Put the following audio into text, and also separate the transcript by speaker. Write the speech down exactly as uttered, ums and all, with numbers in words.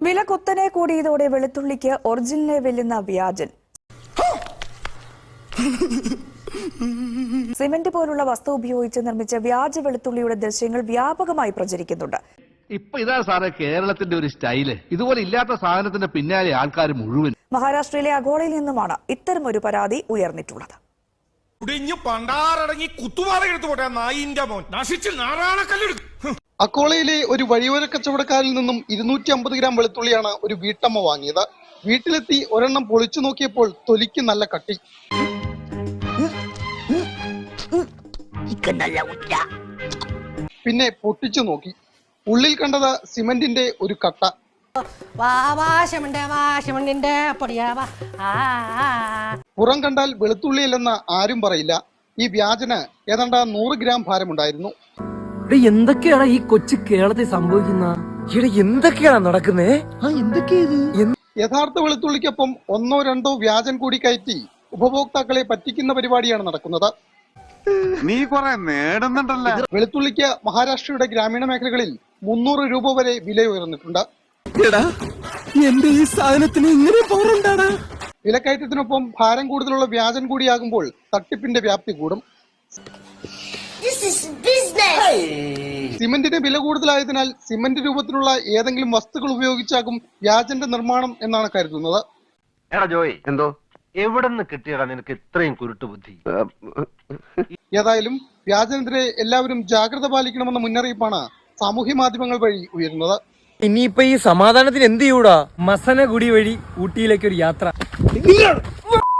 Speaker 1: വില കുത്തനെ കൂടിയതോടെ വെളുത്തുള്ളിക്ക് ഒറിജിനലെ വെല്ലുന്ന വ്യാജൻ. സിമന്റ് പോലുള്ള വസ്തു ഉപയോഗിച്ച് നിർമ്മിച്ച വ്യാജ വെളുത്തുള്ളിയുടെ ദൃശ്യങ്ങൾ വ്യാപകമായി പ്രചരിക്കുന്നുണ്ട്.
Speaker 2: ഇപ്പൊ ഇതാ സാറേ കേരളത്തിന്റെ ഒരു സ്റ്റൈല്. ഇതുപോലെ ഇല്ലാത്ത സാധനത്തിന്റെ പിന്നാലെ ആൾക്കാർ മുഴുവൻ.
Speaker 1: മഹാരാഷ്ട്രയിലെ അഗോളയിൽ നിന്നുമാണ് ഇത്തരമൊരു പരാതി ഉയർന്നിട്ടുള്ളത്.
Speaker 3: അക്കോളയിലെ ഒരു വഴിയോര കച്ചവടക്കാരിൽ നിന്നും ഇരുന്നൂറ്റി അമ്പത് ഗ്രാം വെളുത്തുള്ളിയാണ് ഒരു വീട്ടമ്മ വാങ്ങിയത്. വീട്ടിലെത്തി ഒരെണ്ണം പൊളിച്ചു നോക്കിയപ്പോൾ തൊലിക്ക് നല്ല കട്ടി. പിന്നെ പൊട്ടിച്ചു നോക്കി. ഉള്ളിൽ കണ്ടത് സിമന്റിന്റെ ഒരു കട്ട. പുറം കണ്ടാൽ വെളുത്തുള്ളിയല്ലെന്ന് ആരും പറയില്ല. ഈ വ്യാജന് ഏതാണ്ട് നൂറ് ഗ്രാം ഭാരമുണ്ടായിരുന്നു.
Speaker 4: എന്തൊക്കെയാണ് ഈ കൊച്ചു കേരളത്തിൽ സംഭവിക്കുന്ന? എന്തൊക്കെയാണ് നടക്കുന്നേ?
Speaker 3: യഥാർത്ഥ വെളുത്തുള്ളിക്കൊപ്പം ഒന്നോ രണ്ടോ വ്യാജൻ കൂടി കയറ്റി ഉപഭോക്താക്കളെ പറ്റിക്കുന്ന പരിപാടിയാണ് നടക്കുന്നത്.
Speaker 5: നീ കുറെ നേടുന്നുണ്ടല്ലോ.
Speaker 3: വെളുത്തുള്ളിക്ക് മഹാരാഷ്ട്രയുടെ ഗ്രാമീണ മേഖലകളിൽ മുന്നൂറ് രൂപ വരെ വില ഉയർന്നിട്ടുണ്ട്.
Speaker 4: എന്റെ ഈ സാധനത്തിന് ഇങ്ങനെ പോറുണ്ടാണ്.
Speaker 3: വിലക്കയറ്റത്തിനൊപ്പം ഭാരം കൂടുതലുള്ള വ്യാജൻ കൂടിയാകുമ്പോൾ തട്ടിപ്പിന്റെ വ്യാപ്തി കൂടും. സിമന്റിന് വില കൂടുതലായതിനാൽ സിമന്റ് രൂപത്തിലുള്ള ഏതെങ്കിലും വസ്തുക്കൾ ഉപയോഗിച്ചാകും വ്യാജന്റെ നിർമ്മാണം എന്നാണ് കരുതുന്നത്.
Speaker 6: എടാ ജോയ്, എന്തോ എവിടെ നിന്ന് കിട്ടിയടാ നിനക്ക് ഇത്രയും കുരുട്ടു ബുദ്ധി?
Speaker 3: ഏതായാലും വ്യാജനെതിരെ എല്ലാവരും ജാഗ്രത പാലിക്കണമെന്ന മുന്നറിയിപ്പാണ് സാമൂഹ്യ മാധ്യമങ്ങൾ വഴി ഉയരുന്നത്.
Speaker 4: ഇനിയിപ്പൊ ഈ സമാധാനത്തിന് എന്ത് ചെയ്യൂടാ? മസനഗുഡി വഴി ഊട്ടിയിലേക്ക് ഒരു യാത്ര.